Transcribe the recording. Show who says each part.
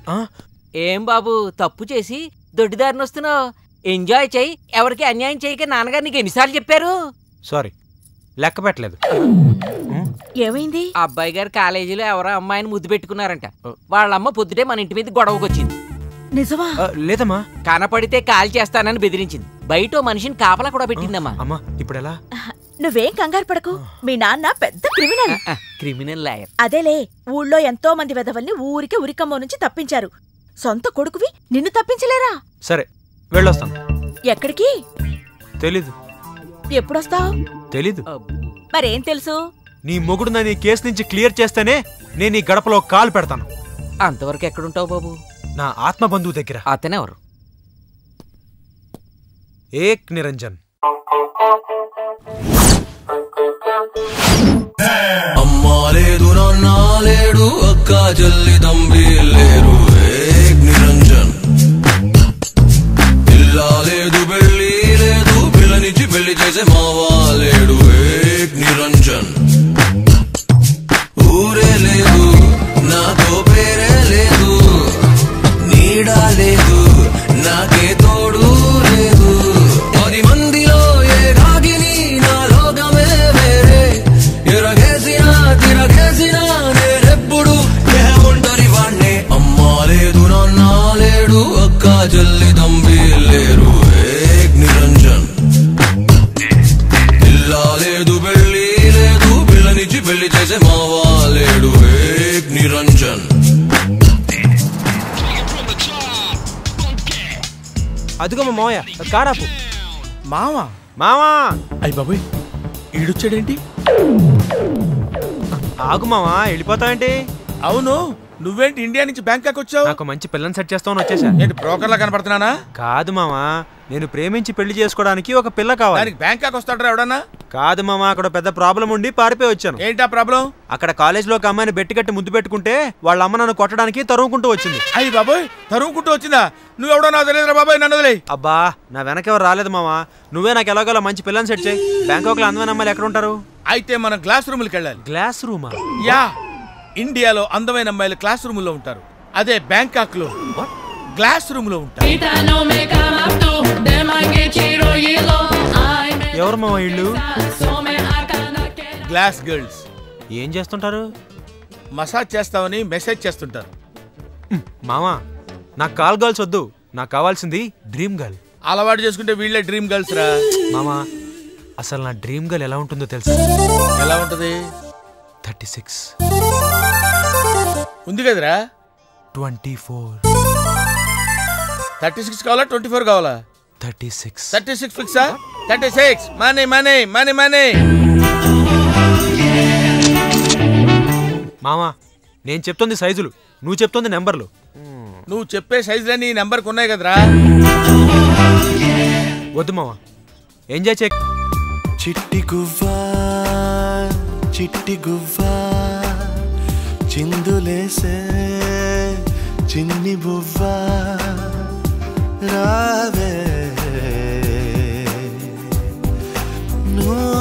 Speaker 1: ఏం బాబు తప్పు చేసి దొడ్డిదారిని వస్తున్నావు? ఎంజాయ్ చెయ్యి, ఎవరికి అన్యాయం చేయక నాన్నగారు నీకు ఎన్నిసార్లు చెప్పారు?
Speaker 2: సారీ, లెక్క పెట్టలేదు.
Speaker 3: ఏమైంది?
Speaker 1: అబ్బాయి గారు కాలేజీలో ఎవరో అమ్మాయిని ముద్దు పెట్టుకున్నారంట. వాళ్ళమ్మ పొద్దుటే మన ఇంటి మీద గొడవకు వచ్చింది.
Speaker 3: నిజమా?
Speaker 2: లేదమ్మా.
Speaker 1: కనపడితే కాల్ చేస్తానని బెదిరించింది. బయట మనిషిని కాపలా కూడా పెట్టిందమ్మా.
Speaker 2: అమ్మా ఇప్పుడు ఎలా?
Speaker 3: నువ్వేం కంగారు పడకు, మీ నాన్న పెద్ద క్రిమినల్.
Speaker 1: Criminal lawyer.
Speaker 3: అదేలే, ఊళ్ళో ఎంతో మంది వెధవల్ని ఊరికే ఉరికమ్మో నుంచి తప్పించారు. సొంత కొడుకువి నిన్ను తప్పించలేరా?
Speaker 2: సరే వెళ్ళొస్తాను.
Speaker 3: ఎక్కడికి?
Speaker 2: తెలీదు.
Speaker 3: ఎప్పుడొస్తావు?
Speaker 2: తెలీదు.
Speaker 3: మరేం తెలుసు?
Speaker 2: నీ మొగుడు నన్ను ఈ కేసు నుంచి క్లియర్ చేస్తేనే నేను ఈ గడపలో కాలు పెడతాను.
Speaker 1: అంతవరకు ఎక్కడుంటావు బాబు?
Speaker 2: నా ఆత్మ బంధువు దగ్గర.
Speaker 1: అతనెవరు?
Speaker 2: ఏక్ నిరంజన్.
Speaker 4: అమ్మా లేదు, నాన్న లేడు, అక్క చెల్లి తమ్మి లేరు. ఏక్ నిరంజన్. ఇల్లా లేదు, పెళ్ళి లేదు, పిల్లనిచ్చి పెళ్లి చేసే మావా లేడు. ఏక్ నిరంజన్. ఊరే లేదు, నాతో పేరే లేదు, నీడా లేదు, నాకే తోడు లేదు. 10 మందిలో ఏ రాగిని, నా లోకమే వేరే. ఎరగేసినా తిరగేసినా నేనెప్పుడు ఏ ఒంటరి వాణ్ణే. అమ్మా లేదు, నాన్న లేడు, అక్క చెల్లి తమ్మి లేరు. ఏక్ నిరంజన్. ఇల్లా లేదు, పెళ్ళి లేదు, పిల్లనిచ్చి పెళ్లి చేసే మావా లేడు. ఏక్ నిరంజన్.
Speaker 2: అదిగో మా మావయ్య, కారాపు.
Speaker 5: మావా?
Speaker 2: మావా!
Speaker 5: అయ్య బాబోయ్, ఈడొచ్చాడేంటి?
Speaker 2: ఆగు మావా, వెళ్ళిపోతావేంటి?
Speaker 5: అవును, నువ్వేంటి ఇండియా నుంచి బ్యాంకాక్ వచ్చావు?
Speaker 2: నాకు మంచి పిల్లని సెట్ చేస్తామని వచ్చేసా.
Speaker 5: ఏంటి బ్రోకర్లా కనపడుతున్నానా?
Speaker 2: కాదు మావా, నేను ప్రేమించి పెళ్లి చేసుకోవడానికి ఒక పిల్ల కావాలి.
Speaker 5: దానికి బ్యాంకాక్ వస్తాడరా ఎవడన్నా?
Speaker 2: కాదు మావా, అక్కడ పెద్ద ప్రాబ్లం ఉండి పారిపోయి వచ్చాను.
Speaker 5: ఏంటా ప్రాబ్లం? అక్కడ
Speaker 2: కాలేజీలో ఒక అమ్మాయిని బెట్టి కట్టి ముద్దు పెట్టుకుంటే వాళ్ళ అమ్మ నన్ను కొట్టడానికి తరుముకుంటూ వచ్చింది.
Speaker 5: అయ్యి బాబోయ్, తరుముకుంటూ వచ్చిందా? నువ్వెవడో నాకు తెలియదురా బాబాయ్, నన్ను వదిలేయ్.
Speaker 2: అబ్బా, నా వెనకెవరు రాలేదు మావా, నువ్వే నాకు ఎలాగోలా మంచి పిల్లని సెట్ చేయి. బ్యాంకాక్ లో అందమైన అమ్మాయిలు ఎక్కడ ఉంటారు?
Speaker 5: అయితే మనం క్లాస్ రూమ్కి వెళ్ళాలి.
Speaker 2: క్లాస్ రూమా?
Speaker 5: యా, ఇండియాలో అందమైన అమ్మాయిలు క్లాస్ రూమ్ లో ఉంటారు. అదే బ్యాంకాక్ లో గ్లాస్ రూమ్ లో ఉంటారు.
Speaker 2: ఎవరు మావా ఇళ్ళు?
Speaker 5: Glass girls.
Speaker 2: ఏం చేస్తుంటారు?
Speaker 5: మసాజ్ చేస్తామని మెసేజ్ చేస్తుంటారు.
Speaker 2: మావా, నాకు కాల్ గర్ల్స్ వద్దు, నాకు కావాల్సింది డ్రీమ్ గర్ల్.
Speaker 5: అలవాటు చేసుకుంటే వీళ్ళే డ్రీమ్ గర్ల్స్ రా.
Speaker 2: మామా, అసలు నా డ్రీమ్ గర్ల్ ఎలా ఉంటుందో తెలుసా?
Speaker 5: ఎలా ఉంటది?
Speaker 2: 36
Speaker 5: ఉంది కదరా.
Speaker 2: 24.
Speaker 5: 36 కావాలా 24 కావాలా?
Speaker 2: 36.
Speaker 5: 36 ఫిక్సా? 36. Money money money money.
Speaker 2: మామా, నేను చెప్తుంది సైజులు, నువ్వు చెప్తుంది నెంబర్లు.
Speaker 5: నువ్వు చెప్పే సైజులన్నీ ఈ నెంబర్కి ఉన్నాయి కదరా.
Speaker 2: వద్దు మామా, ఎంజాయ్ చే.
Speaker 4: చిట్టి గువ్వా చిట్టి గువ్వా, చిందులేసే చిన్ని బువ్వా, రావే నువ్వు